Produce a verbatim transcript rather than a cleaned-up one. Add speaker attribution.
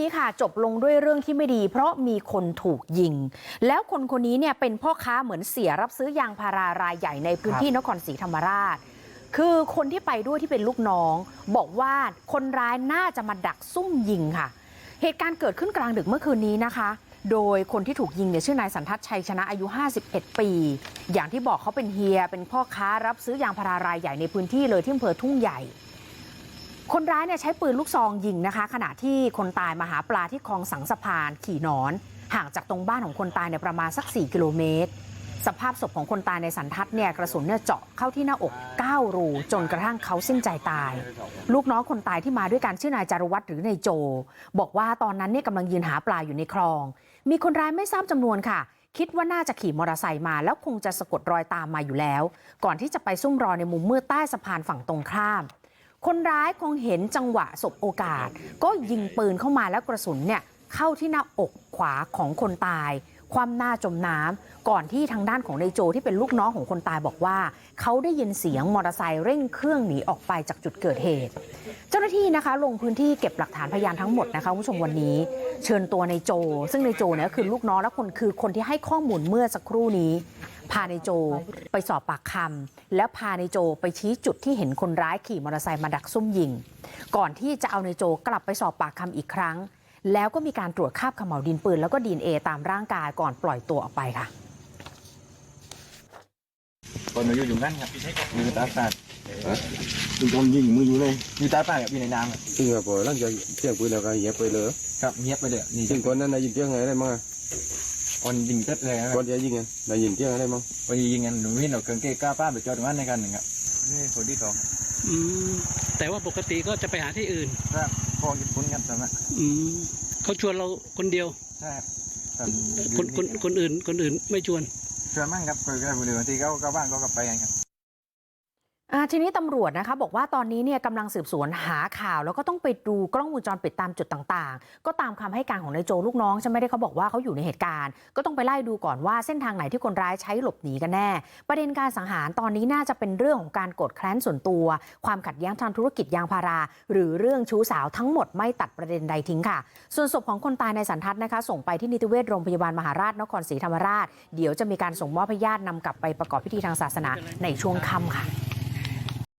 Speaker 1: ค่ะจบลงด้วยเรื่องที่ไม่ดีเพราะมีคนถูกยิงแล้วคนคนนี้เนี่ยเป็นพ่อค้าเหมือนเสียรับซื้อยางพารารายใหญ่ในพื้นที่นครศรีธรรมราชคือคนที่ไปด้วยที่เป็นลูกน้องบอกว่าคนร้ายน่าจะมาดักซุ่มยิงค่ะเหตุการณ์เกิดขึ้นกลางดึกเมื่อคืนนี้นะคะโดยคนที่ถูกยิงเนี่ยชื่อนายสันทัศน์ชัยชนะอายุห้าสิบเอ็ดปีอย่างที่บอกเขาเป็นเฮียเป็นพ่อค้ารับซื้อยางพารารายใหญ่ในพื้นที่เลยที่อำเภอทุ่งใหญ่คนร้ายเนี่ยใช้ปืนลูกซองยิงนะคะขณะที่คนตายมาหาปลาที่คลองสังสะพานขี่นอนห่างจากตรงบ้านของคนตายเนี่ยประมาณสักสี่กิโลเมตรสภาพศพของคนตายในสันทัศน์เนี่ยกระสุนเนี่ยเจาะเข้าที่หน้าอกเก้ารูจนกระทั่งเขาสิ้นใจตายลูกน้องคนตายที่มาด้วยกันชื่อนายจารุวัฒน์หรือนายโจบอกว่าตอนนั้นเนี่ยกำลังยืนหาปลาอยู่ในคลองมีคนร้ายไม่ทราบจำนวนค่ะคิดว่าน่าจะขี่มอเตอร์ไซค์มาแล้วคงจะสะกดรอยตามมาอยู่แล้วก่อนที่จะไปซุ่มรอในมุมมืดใต้สะพานฝั่งตรงข้ามคนร้ายคงเห็นจังหวะสบโอกาสก็ยิงปืนเข้ามาแล้วกระสุนเนี่ยเข้าที่หน้าอกขวาของคนตายคว่ำหน้าจมน้ำก่อนที่ทางด้านของนายโจที่เป็นลูกน้องของคนตายบอกว่าเขาได้ยินเสียงมอเตอร์ไซค์เร่งเครื่องหนีออกไปจากจุดเกิดเหตุเจ้าหน้าที่นะคะลงพื้นที่เก็บหลักฐานพยานทั้งหมดนะคะคุณผู้ชมวันนี้เชิญตัวนายโจซึ่งนายโจเนี่ยคือลูกน้องและคนคือคนที่ให้ข้อมูลเมื่อสักครู่นี้พานายโจไปสอบปากคำแล้วพานายโจไปชี้จุดที่เห็นคนร้ายขี่มอเตอร์ไซค์มาดักซุ่มยิงก่อนที่จะเอานายโจกลับไปสอบปากคำอีกครั้งแล้วก็มีการตรวจคราบเขม่าวดินปืนแล้วก็ดีเอ็นเอตามร่างกายก่อนปล่อยตัวออกไปค่ะ
Speaker 2: ตอนอยู่อยู่นั่นครับมีตาปาด
Speaker 3: มึงโดนยิงมืออยู่เลย
Speaker 2: มีตาปาดกับอยู่ในน้ำครับ
Speaker 3: ซึ่งพอหลังจากเที่ยงปืนแล้วก็เงียบไปเลย
Speaker 2: ครับเงียบไปเลยนี่
Speaker 3: ซึ่งคนนั้นได้ยินเสียงอะไรมั้ง
Speaker 2: คนยิงเต็ดเลย
Speaker 3: คนจะยิงไงได้ยินเสียงอะไรมั้ง
Speaker 2: คนยิงกันหนุ่มวิ่งเอาเครื่องเกล้าป้าไปจอดตรงนั้นในกันหนึ่งครับนี่คนที่สอง
Speaker 4: อืมแต่ว่าปกติก็จะไปหาที่อื่น
Speaker 2: ครับพอญี่ปุ่นกันใช่ไหม
Speaker 4: อืมเขาชวนเราคนเดียว
Speaker 2: ใช่
Speaker 4: คนคนคนอื่นคนอื่นไม่ชวน
Speaker 2: ชวนมั่งครับคนก็บริเวณที่เขาเขาบ้านเขาก็ไปกันครับ
Speaker 1: ทีนี้ตำรวจนะคะบอกว่าตอนนี้เนี่ยกำลังสืบสวนหาข่าวแล้วก็ต้องไปดูกล้องวงจรปิดตามจุดต่างๆก็ตามคำให้การของนายโจลูกน้องใช่ไหมได้เขาบอกว่าเขาอยู่ในเหตุการณ์ก็ต้องไปไล่ดูก่อนว่าเส้นทางไหนที่คนร้ายใช้หลบหนีกันแน่ประเด็นการสังหารตอนนี้น่าจะเป็นเรื่องของการโกรธแค้นส่วนตัวความขัดแย้งทางธุรกิจยางพาราหรือเรื่องชู้สาวทั้งหมดไม่ตัดประเด็นใดทิ้งค่ะส่วนศพของคนตายในสันทัศน์นะคะส่งไปที่นิติเวชโรงพยาบาลมหาราชนครศรีธรรมราชเดี๋ยวจะมีการส่งมอบให้ญาตินำกลับไปประกอบพิธีทางศาสนาในช่วงค่ำค่ะ